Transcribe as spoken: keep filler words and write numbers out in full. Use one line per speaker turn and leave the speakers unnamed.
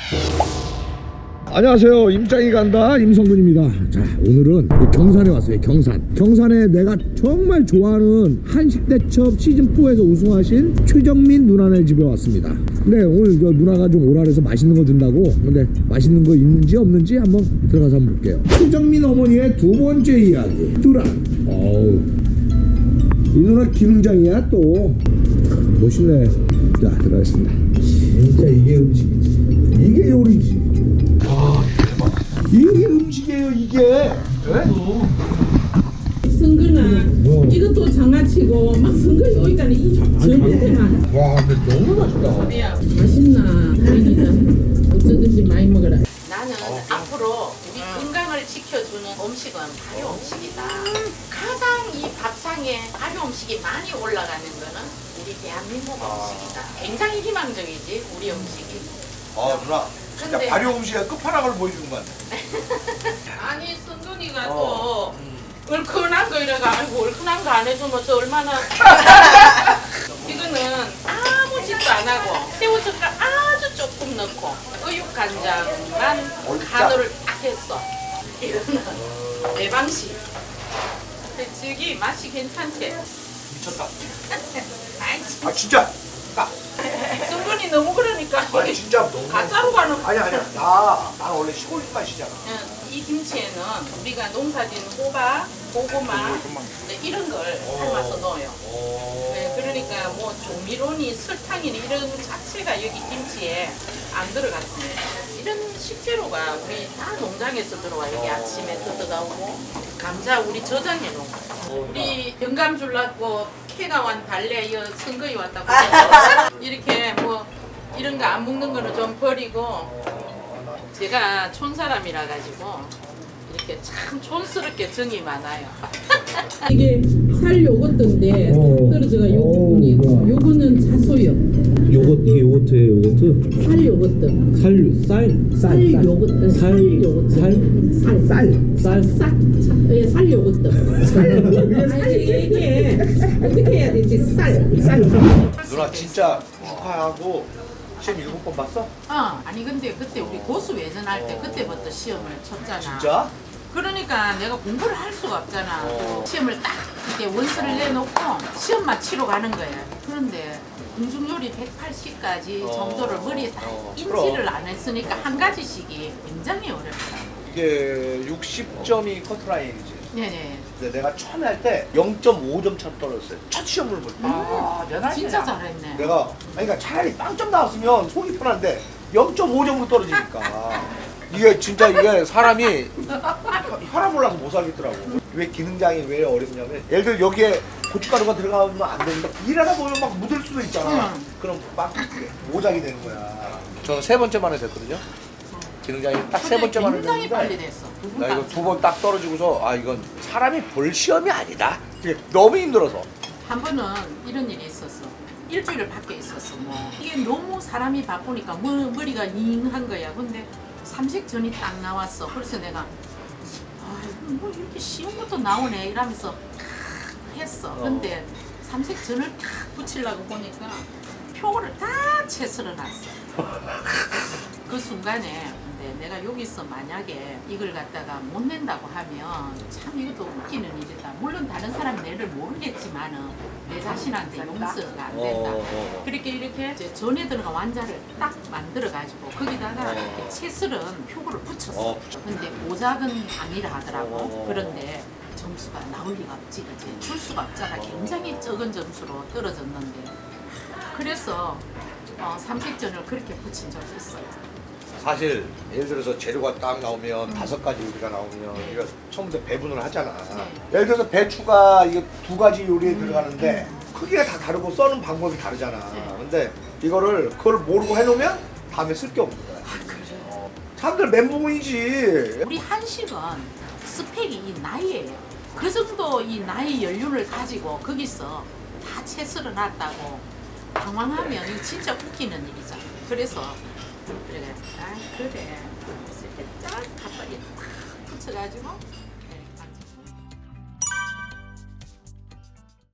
안녕하세요. 임짱이 간다 임성근입니다. 자, 오늘은 경산에 왔어요. 경산 경산에 내가 정말 좋아하는 한식대첩 시즌사에서 우승하신 최정민 누나네 집에 왔습니다. 근데 오늘 저 누나가 좀 오라 그래서 맛있는 거 준다고. 근데 맛있는 거 있는지 없는지 한번 들어가서 한번 볼게요. 최정민 어머니의 두 번째 이야기 뚜란. 어우, 이 누나 기능장이야 또. 멋있네. 자, 들어가겠습니다. 진짜 이게 음식이지, 이게 요리지. 아, 대박. 이게 음식이에요, 이게. 네?
승근아,
뭐?
이것도 장아찌고 막 승근이 여기까지 이 전체만.
와, 근데 너무 맛있다.
야, 맛있나? 다행이다. 어쩌든지 많이 먹어라.
나는 앞으로 우리 건강을 지켜주는 음식은 발효 음식이다. 가장 이 밥상에 발효 음식이 많이 올라가는 거는 우리 대한민국 음식이다. 굉장히 희망적이지, 우리 음식이.
아 누나 진짜
근데-
발효 음식의 끝판왕을 보여주는 것 같네.
아니, 승근이가
어.
또 얼큰한 거 이래가, 아이고 얼큰한 거 안 해주면 저 얼마나. 이거는 아무 짓도 안 하고 새우젓갈 아주 조금 넣고 의육간장만
얼짜.
간을 딱 했어. 이거는 내 방식. 근데 저기 맛이 괜찮지?
미쳤다.
아이,
아 진짜. 까.
승근이 너무 그러니까
아니 진짜 너무.
가짜로 가는.
아니 아니야. 나, 나 원래 시골 맛이잖아.
응, 이 김치에는 우리가 농사진 호박, 고구마 네, 이런 걸 삶아서 넣어요.
오.
네, 그러니까 뭐 조미료니 설탕이니 이런 자체가 여기 김치에 안 들어갔습니다. 이런 식재료가 우리 다 농장에서 들어와. 여기 아침에 뜯어가오고 감자 우리 저장해 놓고 우리 영감 줄라고 캐가 완 달래 이어 선거이 왔다고 이렇게 뭐 이런 거 안 먹는 거는 좀 버리고 제가 촌사람이라 가지고 이렇게 참 촌스럽게 정이 많아요.
이게 살 요거트인데
어.
떨어져가 요
어,
부분이
뭐야.
요거는 자소요.
요거, 이게 요거트예요, 요거트?
살 요거트.
살, 쌀,
살 요거트.
살,
살 요거트.
살,
살.
쌀, 쌀.
싹. 예, 살 요거트. 아니 이게 어떻게 해야 되지? 쌀. 쌀.
누나 진짜 축하하고 시험 일곱 번 봤어?
어, 아니 근데 그때 우리 고수 외전할 때 그때부터 시험을 쳤잖아.
진짜?
그러니까 내가 공부를 할 수가 없잖아.
어.
시험을 딱 이렇게 원서를 내놓고 시험만 치러 가는 거야. 그런데 공중요리 백팔십까지
어.
정도를 머리에 다
어,
인지를
그럼.
안 했으니까 한 가지씩이 굉장히 어렵다.
이게 육십 점이 커트라인이지.
네네.
근데 내가 처음에 할 때 영 점 오 점 차 떨어졌어요. 첫 시험을 볼 때.
아, 진짜 잘했네.
내가 아니 그러니까 차라리 빵점 나왔으면 속이 편한데 영 점 오 점으로 떨어지니까 이게 진짜 이게 사람이 혈압 올라서 못 살겠더라고. 왜 기능장이 왜 어렵냐면 예를 들어 여기에 고춧가루가 들어가면 안 되는데 일하다 보면 막 묻을 수도 있잖아.
응.
그럼 막 모작이 되는 거야. 저는 세 번째 만에 됐거든요. 기능장이 딱 세
근데
번째 만에
굉장히
됐는데
빨리 됐어.
나 이거 두 번 딱 떨어지고서 아 이건 사람이 볼 시험이 아니다. 이게 너무 힘들어서.
한 번은 이런 일이 있었어. 일주일을 밖에 있었어. 뭐 이게 너무 사람이 바쁘니까 머, 머리가 잉한 거야. 근데 삼색전이 딱 나왔어. 그래서 내가 아이고 뭐 이렇게 시험부터 나오네 이러면서 탁 했어. 근데 삼색전을 탁 붙이려고 보니까 표를 다 채썰어 놨어. 그 순간에 근데 내가 여기서 만약에 이걸 갖다가 못 낸다고 하면 참 이것도 웃기는 일이다. 물론 다른 사람 내를 모르겠지만은 내 자신한테 용서가 안 된다.
어, 어.
그렇게 이렇게 이제 전에 들어간 완자를 딱 만들어 가지고 거기다가
어.
이렇게 채슬은 표고를 붙였어.
어, 붙였어.
근데 모작은 아니라 하더라고.
어.
그런데 점수가 나올 리가 없지, 그지? 줄 수가 없잖아. 굉장히 적은 점수로 떨어졌는데. 그래서 어, 삼색전을 그렇게 붙인 적이 있어요.
사실 예를 들어서 재료가 딱 나오면 다섯 가지 요리가 나오면 우리가 처음부터 배분을 하잖아. 예를 들어서 배추가 이게 두 가지 요리에 들어가는데 크기가 다 다르고 써는 방법이 다르잖아.
네.
근데 이거를 그걸 모르고 해놓으면 다음에 쓸 게 없는 거야. 어. 사람들 멘붕이지.
우리 한식은 스펙이 이 나이예요. 그 정도 이 나이 연륜을 가지고 거기서 다 채썰어 놨다고 당황하면 이거 진짜 웃기는 일이잖아. 그래서 그래, 아 그래. 그래서 이렇게 딱 갓발이 탁 붙여가지고